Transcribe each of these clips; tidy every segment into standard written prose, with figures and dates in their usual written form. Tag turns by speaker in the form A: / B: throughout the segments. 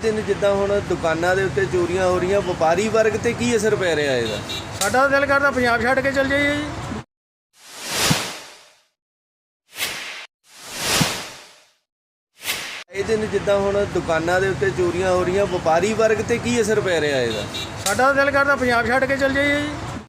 A: दिन जिद्दां हुण दुकानां दे उत्ते चोरियां हो रही, व्यापारी वर्ग ते की असर पै रहा है?
B: साडा दिल करदा पंजाब छड्ड के चल जाइए जी।
A: ਇਹ ਦਿਨ ਜਿੱਦਾਂ ਹੁਣ ਦੁਕਾਨਾਂ ਦੇ ਉੱਤੇ ਚੋਰੀਆਂ ਹੋ ਰਹੀਆਂ, ਵਪਾਰੀ ਵਰਗ ਤੇ ਕੀ ਅਸਰ ਪੈ ਰਿਹਾ ਇਹਦਾ?
B: ਸਾਡਾ ਦਿਲ ਕਰਦਾ ਪੰਜਾਬ ਛੱਡ ਕੇ ਚਲ ਜਾਈਏ ਜੀ।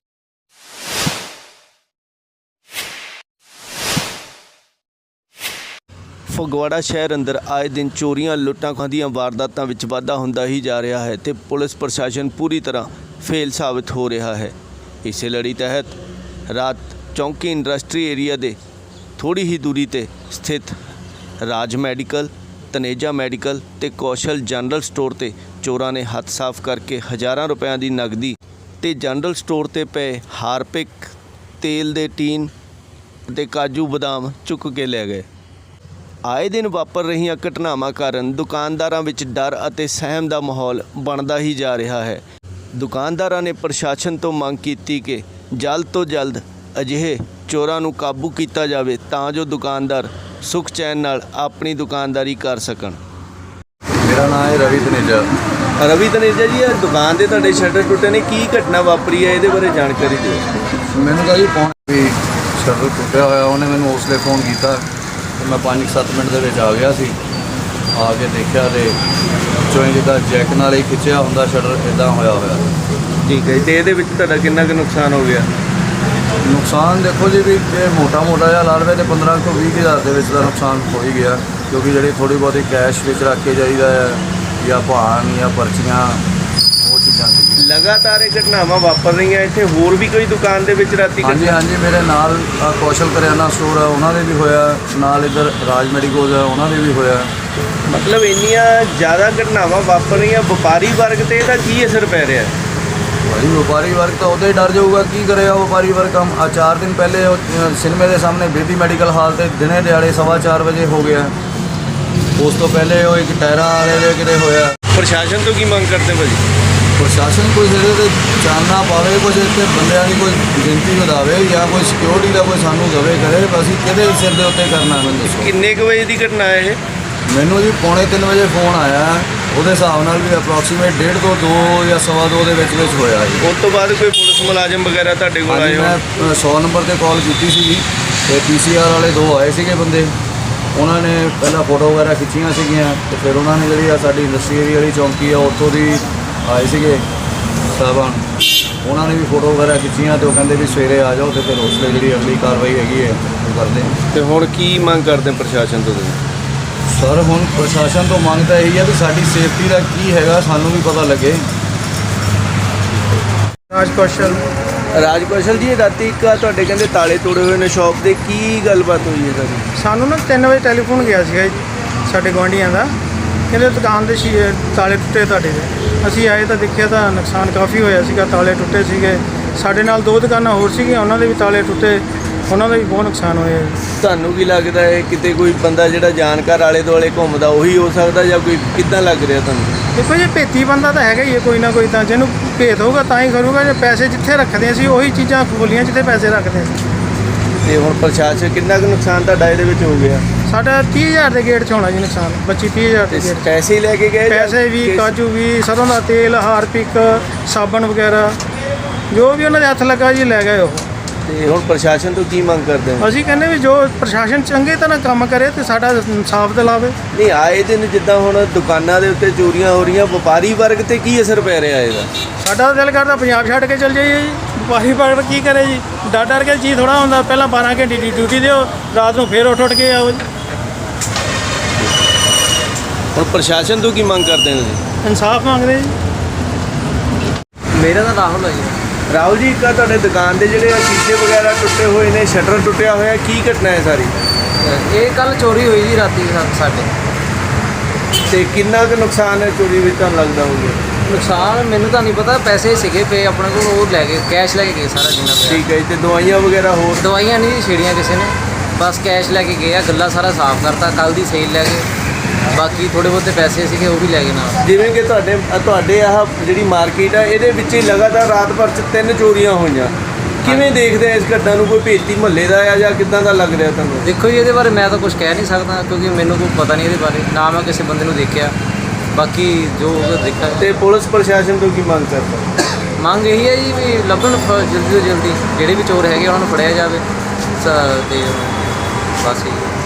A: ਫਗਵਾੜਾ ਸ਼ਹਿਰ ਅੰਦਰ ਆਏ ਦਿਨ ਚੋਰੀਆਂ ਲੁੱਟਾਂ ਖੋਹਾਂ ਦੀਆਂ ਵਾਰਦਾਤਾਂ ਵਿੱਚ ਵਾਧਾ ਹੁੰਦਾ ਹੀ ਜਾ ਰਿਹਾ ਹੈ ਤੇ ਪੁਲਿਸ ਪ੍ਰਸ਼ਾਸਨ ਪੂਰੀ ਤਰ੍ਹਾਂ ਫੇਲ ਸਾਬਿਤ ਹੋ ਰਿਹਾ ਹੈ। ਇਸੇ ਲੜੀ ਤਹਿਤ ਰਾਤ ਚੌਂਕੀ ਇੰਡਸਟਰੀ ਏਰੀਆ ਦੇ ਥੋੜੀ ਹੀ ਦੂਰੀ ਤੇ ਸਥਿਤ ਰਾਜ ਮੈਡੀਕਲ, ਤਨੇਜਾ ਮੈਡੀਕਲ ਤੇ ਕੌਸ਼ਲ ਜਨਰਲ ਸਟੋਰ ਤੇ ਚੋਰਾਂ ਨੇ ਹੱਥ ਸਾਫ਼ ਕਰਕੇ ਹਜ਼ਾਰਾਂ ਰੁਪਇਆਂ ਦੀ ਨਗਦੀ ਤੇ ਜਨਰਲ ਸਟੋਰ ਤੇ ਪਏ ਹਾਰਪਿਕ ਤੇਲ ਦੇ ਟੀਨ ਤੇ ਕਾਜੂ ਬਦਾਮ ਚੁੱਕ ਕੇ ਲੈ ਗਏ। ਆਏ ਦਿਨ ਵਾਪਰ ਰਹੀਆਂ ਘਟਨਾਵਾਂ ਕਾਰਨ ਦੁਕਾਨਦਾਰਾਂ ਵਿੱਚ ਡਰ ਅਤੇ ਸਹਿਮ ਦਾ ਮਾਹੌਲ ਬਣਦਾ ਹੀ ਜਾ ਰਿਹਾ ਹੈ। ਦੁਕਾਨਦਾਰਾਂ ਨੇ ਪ੍ਰਸ਼ਾਸਨ ਤੋਂ ਮੰਗ ਕੀਤੀ ਕਿ ਜਲਦ ਤੋਂ ਜਲਦ ਅਜਿਹੇ ਚੋਰਾਂ ਨੂੰ ਕਾਬੂ ਕੀਤਾ ਜਾਵੇ ਤਾਂ ਜੋ ਦੁਕਾਨਦਾਰ ਸੁਖ ਚੈਨ ਨਾਲ ਆਪਣੀ ਦੁਕਾਨਦਾਰੀ ਕਰ ਸਕਣ।
C: मेरा नाम है रवि तनेजा।
A: ਰਵੀ ਤਨੇਜਾ ਜੀ, ਇਹ ਦੁਕਾਨ ਦੇ ਤੁਹਾਡੇ ਸ਼ਟਰ ਟੁੱਟੇ ਨੇ, ਕੀ ਘਟਨਾ ਵਾਪਰੀ ਹੈ? ਇਹਦੇ ਬਾਰੇ ਜਾਣਕਾਰੀ ਦਿਓ।
C: मैंने कहा जी फोन भी शटर टुटिया होया, उन्हें मैंने उसलिए फ़ोन किया तो मैं 5-7 मिनट ਦੇ ਵਿੱਚ ਆ ਗਿਆ ਸੀ। ਆ ਕੇ ਦੇਖਿਆ ਤੇ ਚੋਂ ਜਿੱਦਾਂ ਜੈਕ ਨਾਲ ਹੀ ਖਿੱਚਿਆ ਹੁੰਦਾ ਸ਼ਟਰ, ਇਦਾਂ ਹੋਇਆ
A: ਠੀਕ ਹੈ, ਤੇ ਇਹਦੇ ਵਿੱਚ ਤੁਹਾਡਾ ਕਿੰਨਾ ਕੁ ਨੁਕਸਾਨ ਹੋ ਗਿਆ?
C: ਨੁਕਸਾਨ ਦੇਖੋ ਜੀ ਵੀ ਜੇ ਮੋਟਾ ਜਿਹਾ ਲਾ ਲਵੇ ਤੇ 15 ਤੋਂ 20 ਹਜ਼ਾਰ ਦੇ ਵਿੱਚ ਦਾ ਨੁਕਸਾਨ ਹੋ ਹੀ ਗਿਆ, ਕਿਉਂਕਿ ਜਿਹੜੀ ਥੋੜੀ ਬਹੁਤੀ ਕੈਸ਼ ਵਿੱਚ ਰੱਖ ਕੇ ਜਾਈਦਾ ਹੈ ਜਾਂ ਭਾਣ ਜਾਂ ਪਰਚੀਆਂ, ਉਹ ਚੀਜ਼ਾਂ ਸੀ।
A: ਲਗਾਤਾਰ ਇਹ ਘਟਨਾਵਾਂ ਵਾਪਰ ਰਹੀਆਂ ਇੱਥੇ, ਹੋਰ ਵੀ ਕੋਈ ਦੁਕਾਨ ਦੇ ਵਿੱਚ ਰਾਤੀ?
C: ਹਾਂਜੀ, ਮੇਰੇ ਨਾਲ ਕੌਸ਼ਲ ਕਰਿਆਨਾ ਸਟੋਰ ਹੈ, ਉਹਨਾਂ ਦੇ ਵੀ ਹੋਇਆ, ਨਾਲ ਇੱਧਰ ਰਾਜ ਮੈਡੀਕਲ ਹੈ, ਉਹਨਾਂ ਦੇ ਵੀ ਹੋਇਆ।
A: ਮਤਲਬ ਇੰਨੀਆਂ ਜ਼ਿਆਦਾ ਘਟਨਾਵਾਂ ਵਾਪਰ ਰਹੀਆਂ, ਵਪਾਰੀ ਵਰਗ ਤੇ ਇਹਦਾ ਕੀ ਅਸਰ ਪੈ ਰਿਹਾ?
C: भाई व्यापारी वर्ग तो उदे डर जाऊगा, की करेगा व्यापारी वर्ग। हम 4 दिन पहले सिनेमे के सामने बेदी मेडिकल हाल से दिने दिहाड़े 4:15 बजे हो गया। उस तो पहले वो एक टायरा वाले दे किते होया।
A: ਪ੍ਰਸ਼ਾਸਨ ਤੋਂ ਕੀ ਮੰਗ ਕਰਦੇ ਭਾਜੀ?
C: प्रशासन कोई ਇਹਦੇ ਤੇ ਚਾਨਣਾ ਪਾਵੇ, ਕੁਝ ਇੱਥੇ ਬੰਦਿਆਂ ਦੀ ਕੋਈ ਗਿਣਤੀ ਵਧਾਵੇ ਜਾਂ ਕੋਈ ਸਿਕਿਉਰਿਟੀ ਦਾ ਕੋਈ ਸਾਨੂੰ ਦਵੇ ਕਰੇ। ਅਸੀਂ ਕਿਹਦੇ ਸਿਰ ਦੇ ਉੱਤੇ ਕਰਨਾ, ਮੈਨੂੰ ਦੱਸੋ।
A: ਕਿੰਨੇ ਕੁ ਵਜੇ ਦੀ ਘਟਨਾ ਹੈ ਇਹ?
C: ਮੈਨੂੰ ਜੀ 2:45 ਵਜੇ ਫੋਨ ਆਇਆ, ਉਹਦੇ ਹਿਸਾਬ ਨਾਲ ਵੀ ਅਪਰੋਕਸੀਮੇਟ 1:30 ਤੋਂ 2 ਜਾਂ 2:15 ਦੇ ਵਿੱਚ ਹੋਇਆ ਜੀ।
A: ਉਸ ਤੋਂ ਬਾਅਦ ਕੋਈ ਪੁਲਿਸ ਮੁਲਾਜ਼ਮ ਵਗੈਰਾ ਤੁਹਾਡੇ ਕੋਲ ਆਏ?
C: ਮੈਂ 100 ਨੰਬਰ ਤੇ ਕਾਲ ਕੀਤੀ ਸੀਗੀ ਤੇ PCR ਵਾਲੇ 2 ਆਏ ਸੀਗੇ ਬੰਦੇ। ਉਹਨਾਂ ਨੇ ਪਹਿਲਾਂ ਫੋਟੋ ਵਗੈਰਾ ਖਿੱਚੀਆਂ ਸੀਗੀਆਂ ਤੇ ਫਿਰ ਉਹਨਾਂ ਨੇ ਜਿਹੜੀ ਆ ਸਾਡੀ ਇੰਡਸਟਰੀ ਏਰੀਆ ਵਾਲੀ ਚੌਂਕੀ ਆ ਉੱਥੋਂ ਦੀ ਆਏ ਸੀਗੇ ਸਾਹਿਬਾਨ, ਉਹਨਾਂ ਨੇ ਵੀ ਫੋਟੋ ਵਗੈਰਾ ਖਿੱਚੀਆਂ ਤੇ ਉਹ ਕਹਿੰਦੇ ਵੀ ਸਵੇਰੇ ਆ ਜਾਓ ਤੇ ਫਿਰ ਉਸ ਲਈ ਜਿਹੜੀ ਅਗਲੀ ਕਾਰਵਾਈ ਹੈਗੀ ਹੈ ਉਹ ਕਰਦੇ ਹਾਂ।
A: ਤੇ ਹੁਣ ਕੀ ਮੰਗ ਕਰਦੇ ਪ੍ਰਸ਼ਾਸਨ ਤੋਂ ਤੁਸੀਂ?
C: ਸਰ ਹੁਣ ਪ੍ਰਸ਼ਾਸਨ ਤੋਂ ਮੰਗ ਤਾਂ ਇਹੀ ਹੈ ਵੀ ਸਾਡੀ ਸੇਫਟੀ ਦਾ ਕੀ ਹੈਗਾ, ਸਾਨੂੰ ਵੀ ਪਤਾ ਲੱਗੇ।
B: ਰਾਜ ਕੌਸ਼ਲ
A: ਜੀ, ਰਾਤੀ ਇੱਕ ਤੁਹਾਡੇ ਕਹਿੰਦੇ ਤਾਲੇ ਤੋੜੇ ਹੋਏ ਨੇ ਸ਼ਾਪ ਦੇ, ਕੀ ਗੱਲਬਾਤ ਹੋਈ ਹੈ ਸਾਡੀ?
B: ਸਾਨੂੰ ਨਾ 3 ਵਜੇ ਟੈਲੀਫੋਨ ਗਿਆ ਸੀਗਾ ਜੀ ਸਾਡੇ ਗੁਆਂਢੀਆਂ ਦਾ, ਕਹਿੰਦੇ ਦੁਕਾਨ ਦੇ ਤਾਲੇ ਟੁੱਟੇ ਤੁਹਾਡੇ ਦੇ। ਅਸੀਂ ਆਏ ਤਾਂ ਦੇਖਿਆ ਤਾਂ ਨੁਕਸਾਨ ਕਾਫੀ ਹੋਇਆ ਸੀਗਾ, ਤਾਲੇ ਟੁੱਟੇ ਸੀਗੇ। ਸਾਡੇ ਨਾਲ 2 ਦੁਕਾਨਾਂ ਹੋਰ ਸੀਗੀਆਂ, ਉਹਨਾਂ ਦੇ ਵੀ ਤਾਲੇ ਟੁੱਟੇ, ਉਹਨਾਂ ਦਾ ਵੀ ਬਹੁਤ ਨੁਕਸਾਨ ਹੋਇਆ।
A: ਤੁਹਾਨੂੰ ਕੀ ਲੱਗਦਾ ਹੈ ਕਿਤੇ ਕੋਈ ਬੰਦਾ ਜਿਹੜਾ ਜਾਣਕਾਰ ਆਲੇ ਦੁਆਲੇ ਘੁੰਮਦਾ ਉਹੀ ਹੋ ਸਕਦਾ ਜਾਂ ਕੋਈ ਕਿੱਦਾਂ ਲੱਗ ਰਿਹਾ ਤੁਹਾਨੂੰ?
B: ਦੇਖੋ ਜੀ, ਭੇਤੀ ਬੰਦਾ ਤਾਂ ਹੈਗਾ ਹੀ ਹੈ ਕੋਈ ਨਾ ਕੋਈ, ਤਾਂ ਜਿਹਨੂੰ ਭੇਤ ਹੋਊਗਾ ਤਾਂ ਹੀ ਕਰੂਗਾ। ਜੇ ਪੈਸੇ ਜਿੱਥੇ ਰੱਖਦੇ ਸੀ ਉਹੀ ਚੀਜ਼ਾਂ ਖੋਲੀਆਂ ਜਿੱਥੇ ਪੈਸੇ ਰੱਖਦੇ ਸੀ।
A: ਤੇ ਹੁਣ ਪ੍ਰਸ਼ਾਸਨ ਕਿੰਨਾ ਕੁ ਨੁਕਸਾਨ ਤੁਹਾਡਾ ਇਹਦੇ ਵਿੱਚ ਹੋ ਗਿਆ?
B: ਸਾਡਾ 30,000 ਦੇ ਗੇਟ 'ਚ ਹੋਣਾ ਜੀ ਨੁਕਸਾਨ, 25-30,000 ਦੇ ਗੇਟ।
A: ਪੈਸੇ ਹੀ ਲੈ ਕੇ ਗਏ?
B: ਪੈਸੇ ਵੀ, ਕਾਜੂ ਵੀ, ਸਰੋਂ ਦਾ ਤੇਲ, ਹਾਰਪਿਕ, ਸਾਬਣ ਵਗੈਰਾ ਜੋ ਵੀ ਉਹਨਾਂ ਦੇ ਹੱਥ ਲੱਗਾ ਜੀ ਲੈ ਗਏ ਉਹ।
A: ਤੇ ਹੁਣ ਪ੍ਰਸ਼ਾਸਨ ਤੋਂ ਕੀ ਮੰਗ ਕਰਦੇ ਹੋ?
B: ਅਸੀਂ ਕਹਿੰਦੇ ਵੀ ਜੋ ਪ੍ਰਸ਼ਾਸਨ ਚੰਗੇ ਤਰ੍ਹਾਂ ਕੰਮ ਕਰੇ ਤੇ ਸਾਡਾ ਇਨਸਾਫ ਦਿਲਾਵੇ।
A: ਨਹੀਂ, ਆਏ ਦਿਨ ਜਿੱਦਾਂ ਹੁਣ ਦੁਕਾਨਾਂ ਦੇ ਉੱਤੇ ਚੋਰੀਆਂ ਹੋ ਰਹੀਆਂ, ਵਪਾਰੀ ਵਰਗ ਤੇ ਕੀ ਅਸਰ ਪੈ ਰਿਹਾ ਇਹਦਾ?
B: ਸਾਡਾ ਦਿਲ ਕਰਦਾ ਪੰਜਾਬ ਛੱਡ ਕੇ ਚਲ ਜਾਈਏ ਜੀ। ਵਪਾਰੀ ਵਰਗ ਕੀ ਕਰੇ ਜੀ, ਡਰ ਕੇ ਜੀ ਥੋੜ੍ਹਾ ਹੁੰਦਾ। ਪਹਿਲਾਂ 12 ਘੰਟੇ ਦੀ ਡਿਊਟੀ ਦਿਓ, ਰਾਤ ਨੂੰ ਫੇਰ ਉੱਠ ਕੇ ਆਓ ਜੀ।
A: ਹੁਣ ਪ੍ਰਸ਼ਾਸਨ ਤੋਂ ਕੀ ਮੰਗ ਕਰਦੇ ਹੋ ਤੁਸੀਂ?
B: ਇਨਸਾਫ ਮੰਗਦੇ ਜੀ।
D: ਮੇਰਾ ਤਾਂ ਰਾਹੁਲ ਹੈ ਜੀ।
A: ਰਾਹੁਲ ਜੀ, ਇੱਕ ਤੁਹਾਡੇ ਦੁਕਾਨ ਦੇ ਜਿਹੜੇ ਸ਼ੀਸ਼ੇ ਵਗੈਰਾ ਟੁੱਟੇ ਹੋਏ ਨੇ, ਸ਼ਟਰ ਟੁੱਟਿਆ ਹੋਇਆ, ਕੀ ਘਟਨਾ ਹੈ ਸਾਰੀ?
D: ਇਹ ਕੱਲ ਚੋਰੀ ਹੋਈ ਜੀ ਰਾਤੀ ਸਾਡੇ।
A: ਤੇ ਕਿੰਨਾ ਕੁ ਨੁਕਸਾਨ ਹੈ ਚੋਰੀ ਵਿੱਚ ਤੁਹਾਨੂੰ ਲੱਗਦਾ ਹੋਊਗਾ?
D: ਨੁਕਸਾਨ ਮੈਨੂੰ ਤਾਂ ਨਹੀਂ ਪਤਾ, ਪੈਸੇ ਸੀਗੇ ਪਏ ਆਪਣੇ ਕੋਲ, ਉਹ ਲੈ ਗਏ, ਕੈਸ਼ ਲੈ ਕੇ ਗਏ ਸਾਰਾ ਜਿੰਨਾ ਪਿਆ।
A: ਠੀਕ ਹੈ ਜੀ, ਤੇ ਦਵਾਈਆਂ ਵਗੈਰਾ ਹੋਰ?
D: ਦਵਾਈਆਂ ਨਹੀਂ ਜੀ ਛੇੜੀਆਂ ਕਿਸੇ ਨੇ, ਬਸ ਕੈਸ਼ ਲੈ ਕੇ ਗਏ ਆ। ਗੱਲਾ ਸਾਰਾ ਸਾਫ਼ ਕਰਤਾ, ਕੱਲ ਦੀ ਸੇਲ ਲੈ ਗਏ। ਬਾਕੀ ਥੋੜ੍ਹੇ ਬਹੁਤੇ ਪੈਸੇ ਸੀਗੇ ਉਹ ਵੀ ਲੈ ਗਏ ਨਾਲ।
A: ਜਿਵੇਂ ਕਿ ਤੁਹਾਡੇ ਆਹ ਜਿਹੜੀ ਮਾਰਕੀਟ ਆ ਇਹਦੇ ਵਿੱਚ ਹੀ ਲਗਾਤਾਰ ਰਾਤ ਭਰ 'ਚ 3 ਚੋਰੀਆਂ ਹੋਈਆਂ, ਕਿਵੇਂ ਦੇਖਦੇ ਆ ਇਸ ਘਟਨਾ ਨੂੰ? ਕੋਈ ਭੇਤੀ ਮਹੱਲੇ ਦਾ ਆ ਜਾਂ ਕਿੱਦਾਂ ਦਾ ਲੱਗ ਰਿਹਾ ਤੁਹਾਨੂੰ?
D: ਦੇਖੋ ਜੀ, ਇਹਦੇ ਬਾਰੇ ਮੈਂ ਤਾਂ ਕੁਝ ਕਹਿ ਨਹੀਂ ਸਕਦਾ ਕਿਉਂਕਿ ਮੈਨੂੰ ਕੋਈ ਪਤਾ ਨਹੀਂ ਇਹਦੇ ਬਾਰੇ, ਨਾ ਮੈਂ ਕਿਸੇ ਬੰਦੇ ਨੂੰ ਦੇਖਿਆ। ਬਾਕੀ ਜੋ ਦੇਖਿਆ
A: ਤੇ ਪੁਲਿਸ ਪ੍ਰਸ਼ਾਸਨ ਤੋਂ ਕੀ ਮੰਗ ਕਰਦਾ?
D: ਮੰਗ ਇਹੀ ਹੈ ਜੀ ਵੀ ਲੱਭਣ ਜਲਦੀ ਤੋਂ ਜਲਦੀ ਜਿਹੜੇ ਵੀ ਚੋਰ ਹੈਗੇ ਉਹਨਾਂ ਨੂੰ ਫੜਿਆ ਜਾਵੇ ਤੇ ਬਸ ਇਹੀ